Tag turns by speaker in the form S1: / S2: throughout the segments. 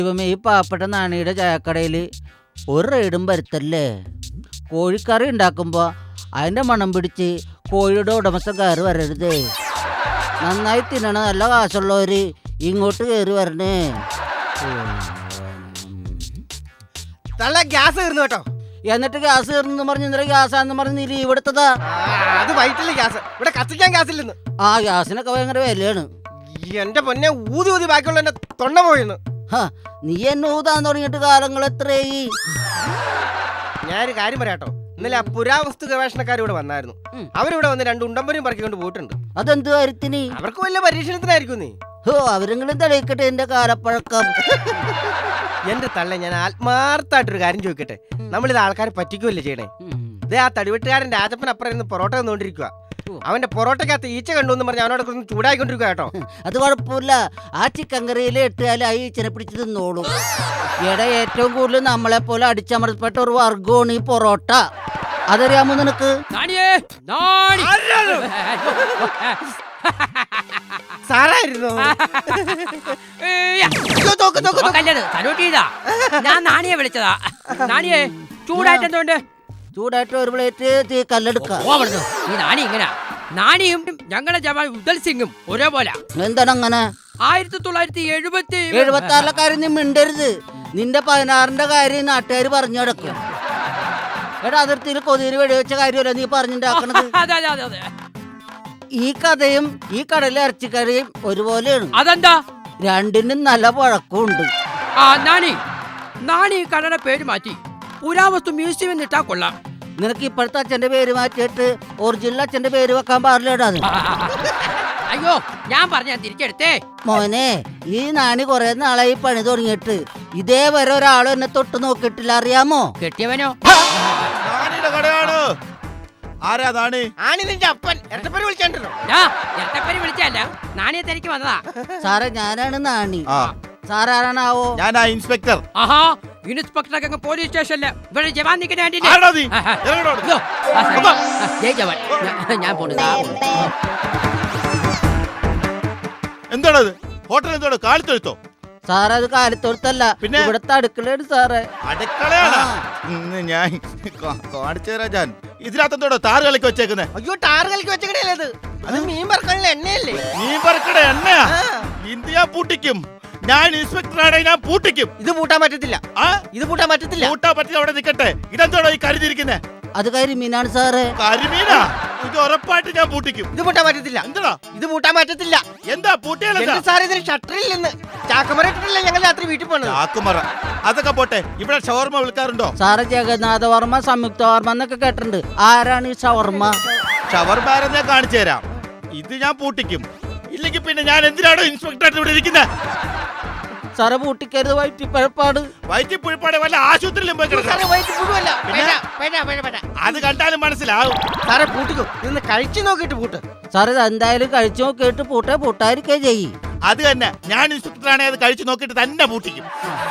S1: ദൈവമേ, ഈ പാവപ്പെട്ട നാണിയുടെ ചായക്കടയിൽ ഒരു റെയ്ഡും വരുത്തല്ലേ. കോഴിക്കറി ഉണ്ടാക്കുമ്പോൾ അതിൻ്റെ മണം പിടിച്ച് കോഴിയുടെ ഉടമസ്ഥൻ കയറി വരരുതേ. നന്നായി തിന്നണ നല്ല കാശുള്ളവർ ഇങ്ങോട്ട് കയറി വരണേ.
S2: ഗ്യാസ് തീർന്നു കേട്ടോ.
S1: എന്നിട്ട് ഗ്യാസ് തീർന്നു പറഞ്ഞ് ഇന്നലെ ഗ്യാസാന്ന് പറഞ്ഞ് നീ ലീവ് എടുത്തതാ.
S2: അത് വൈറ്റില്ല ഗ്യാസ്, ഇവിടെ കത്തിക്കാൻ ഗ്യാസ് ഇല്ലെന്ന്.
S1: ആ ഗ്യാസിനൊക്കെ ഭയങ്കര വിലയാണ്.
S2: എന്റെ പൊന്നെ, ഊതി ഊതി ബാക്കിയുള്ള എന്റെ തൊണ്ട പോയിന്ന്.
S1: നീ എന്നെ ഊതാൻ തുടങ്ങിയിട്ട് കാലങ്ങൾ എത്രയായി?
S2: ഞാനൊരു കാര്യം പറയാട്ടോ. ഇന്നലെ ആ പുരാവസ്തു ഗവേഷണക്കാർ ഇവിടെ വന്നായിരുന്നു. അവരിവിടെ വന്ന് 2 ഉണ്ടമ്പരും പറക്കിക്കൊണ്ട് പോയിട്ടുണ്ട്.
S1: അതെന്ത് കാര്യത്തിന്?
S2: അവർക്ക് വല്ല പരീക്ഷണത്തിനായിരിക്കും. നീ
S1: അവരെങ്കിലും തെളിയിക്കട്ടെ എന്റെ കാലപ്പഴക്കം.
S2: എന്റെ തള്ള, ഞാൻ ആത്മാർത്ഥമായിട്ടൊരു കാര്യം ചോദിക്കട്ടെ. നമ്മളിത് ആൾക്കാരെ പറ്റിക്കുമല്ലേ ചെയ്യണേ? ഇതേ ആ തടിവെട്ടുകാരൻ രാജപ്പൻ അപ്പുറം ഇരുന്ന് പൊറോട്ട തന്നുകൊണ്ടിരിക്കുക. അവന്റെ പൊറോട്ടക്കകത്ത് ഈച്ച കണ്ടു എന്ന് പറഞ്ഞ് അവനോട് ചൂടായിക്കൊണ്ടിരിക്കുക കേട്ടോ.
S1: അത് കുഴപ്പമില്ല, ആ ചിക്കൻ കറിയിൽ ഇട്ടാൽ ആ ഈച്ചനെ പിടിച്ച് തിന്നോളൂ. ഇവിടെ ഏറ്റവും കൂടുതൽ നമ്മളെ പോലെ അടിച്ചമർത്തപ്പെട്ട ഒരു വർഗമാണ് ഈ പൊറോട്ട. അതറിയാമോ നിനക്ക്?
S2: സാറായിരുന്നു.
S3: ഞാൻ നാണിയെ വിളിച്ചതാ. നാണിയെ ചൂടായിട്ട് എന്തുകൊണ്ട്?
S1: ചൂടായിട്ട് ഒരു പ്ലേറ്റ് തീ കല്ലെടുക്കാം.
S3: ഈ നാണി ഇങ്ങനെ, നാണിയും ഞങ്ങളുടെ ജവാൻ ഉദൽ സിംഗും ഒരേപോലെ.
S1: എന്താണ് അങ്ങനെ?
S3: 1976
S1: കാര്യം നീ മിണ്ടരുത്. നിന്റെ 16ന്റെ കാര്യം നാട്ടുകാർ പറഞ്ഞു കിടക്കും. എടാ, അതിർത്തിയിൽ കൊതിയിൽ വെടിവെച്ച കാര്യമല്ല നീ പറഞ്ഞിട്ടുണ്ടാക്കണത്. ഈ കഥയും ഈ കടലിലെ ഇറച്ചിക്കറിയും ഒരുപോലെയാണ്.
S3: അതെന്താ?
S1: രണ്ടിനും നല്ല പഴക്കമുണ്ട്.
S3: ആ നാണി ഈ കടയുടെ പേര് മാറ്റി പുരാവസ്തു മ്യൂസിയം എന്നിട്ടാ കൊള്ളാം.
S1: നിനക്ക് ഇപ്പോഴത്തെ അച്ഛന്റെ പേര് മാറ്റിയിട്ട് ഒറിജിനൽ അച്ഛന്റെ പേര് വെക്കാൻ പാടില്ലടാ.
S3: അയ്യോ, ഞാൻ പറഞ്ഞ തിരിച്ചെടുത്തേ.
S1: മോനെ, ഈ നാണി കുറെ നാളായി പണി തുടങ്ങിയിട്ട് ഇതേവരെ ഒരാളും എന്നെ തൊട്ട് നോക്കിയിട്ടില്ല, അറിയാമോ?
S3: കെട്ടിയവനോ? ഇരട്ടപ്പേര് വിളിച്ചല്ല, നാണിയെ തിരക്ക് വന്നതാ.
S1: സാറേ, ഞാനാണ് നാണി. സാറാണാവോ?
S4: ഞാനാ ഇൻസ്പെക്ടർ.
S3: ആഹാ, ഇൻസ്പെക്ടർ പോലീസ് സ്റ്റേഷനില് ഇവിടെ ജവാൻ നിൽക്കുന്ന ജയ് ജവാൻ. ഞാൻ പോണു.
S4: എന്താണത്? ഹോട്ടൽ എന്തോ കാലിത്തൊഴുത്തോ?
S1: സാറേ, അത് കാലിത്തൊഴുത്തല്ല, പിന്നെ ഇവിടുത്തെ അടുക്കളയാണ് സാറേ.
S4: അടുക്കളയാണ്? ഞാൻ കാണിച്ചു തരാം. ഞാൻ ഇതിനകത്തോടോ താറ് കളിക്ക് വെച്ചേക്കുന്നേ?
S2: അയ്യോ, ടാറ് കളിക്ക് വെച്ചേക്കണേ. അത് മീൻ പറക്കാനുള്ള എണ്ണയല്ലേ?
S4: മീൻ പറക്കണ എണ്ണയാ? ഇന്ത്യ പൂട്ടിക്കും. ഞാൻ ഇൻസ്പെക്ടറാണ്, ഞാൻ പൂട്ടിക്കും.
S2: ഇത് പൂട്ടാൻ പറ്റത്തില്ല. ഇത് പൂട്ടാൻ പറ്റത്തില്ല.
S4: പൂട്ടാൻ പറ്റില്ല, അവിടെ നിൽക്കട്ടെ. ഇതെന്തോടോ ഈ കരുതിയിരിക്കുന്നേ?
S1: അത് കരിമീനാണ് സാറേ.
S4: കരിമീനാ? ഇത് ഉറപ്പായിട്ട് ഞാൻ പൂട്ടിക്കും.
S2: ഇത് പൂട്ടാൻ പറ്റത്തില്ല.
S4: എന്താ
S2: ഇത് പൂട്ടാൻ പറ്റത്തില്ല?
S4: എന്താ പൂട്ടിയാലെന്താ
S2: സാറേ? ഇതിന് ഷട്ടറിൽ നിന്ന് ചാക്കമറ ഇട്ടിട്ടില്ല ഞങ്ങൾ രാത്രി വീട്ടിൽ പോണത്.
S4: ചാക്കുമറ അതൊക്കെ പോട്ടെ, ഇവിടെ ഷവർമ്മ വിൽക്കാറുണ്ടോ?
S1: സാറേ, ജഗന്നാഥ വർമ്മ, സംയുക്ത വർമ്മ എന്നൊക്കെ കേട്ടിട്ടുണ്ട്. ആരാണ് ഈ ഷവർമ്മ?
S4: ഷവർമ്മ ഞാൻ കാണിച്ചു തരാം. ഇത് ഞാൻ പൂട്ടിക്കും. ഇല്ലെങ്കിൽ പിന്നെ ഞാൻ എന്തിനാണോ ഇൻസ്പെക്ടറായിട്ട് ഇവിടെ ഇരിക്കുന്നത്?
S1: സാറേ, പൂട്ടിക്കരുത്, വയറ്റിപ്പഴപ്പാട്.
S4: വയറ്റിപ്പുഴപ്പാടെ വല്ല ആശുപത്രിയിലും പോയി കിടക്കാം. അത് കണ്ടാലും മനസ്സിലാവും.
S2: സാറേ, പൂട്ടിക്കും. ഇന്ന് കഴിച്ചു നോക്കിട്ട് പൂട്ട്.
S1: സാറേ, എന്തായാലും കഴിച്ചു നോക്കിയിട്ട് പൂട്ടാതിരിക്കേ ചെയ്യും.
S4: അത് തന്നെ, ഞാൻ ഇൻസ്പെക്ടറാണെ അത് കഴിച്ചു നോക്കിയിട്ട് തന്നെ പൂട്ടിക്കും.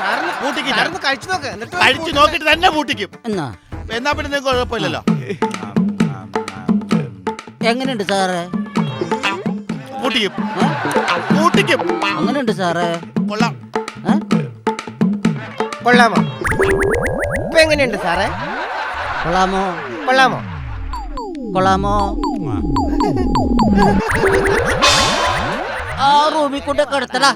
S4: കഴിച്ചു നോക്കിയിട്ട് തന്നെ പൂട്ടിക്കും. എന്നാ പിന്നെ നിങ്ങൾക്ക് കുഴപ്പമില്ലല്ലോ.
S1: എങ്ങനെയുണ്ട് സാറേ?
S4: പൂട്ടിക്കും. പൂട്ടിക്കും.
S1: അങ്ങനെയുണ്ട് സാറേ.
S4: കൊള്ളാം.
S2: കൊള്ളാമോ? ഇപ്പൊ എങ്ങനെയുണ്ട് സാറേ?
S1: കൊള്ളാമോ?
S2: കൊള്ളാമോ?
S1: കൊള്ളാമോ? ആ റൂമിൽ കൊണ്ട് കിടത്തടാ.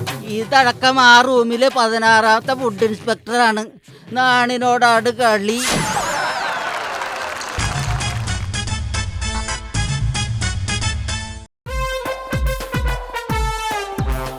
S1: ഇതടക്കം ആ റൂമിലെ 16ാമത്തെ ഫുഡ് ഇൻസ്പെക്ടറാണ്. നാണിനോടാണ് കളി.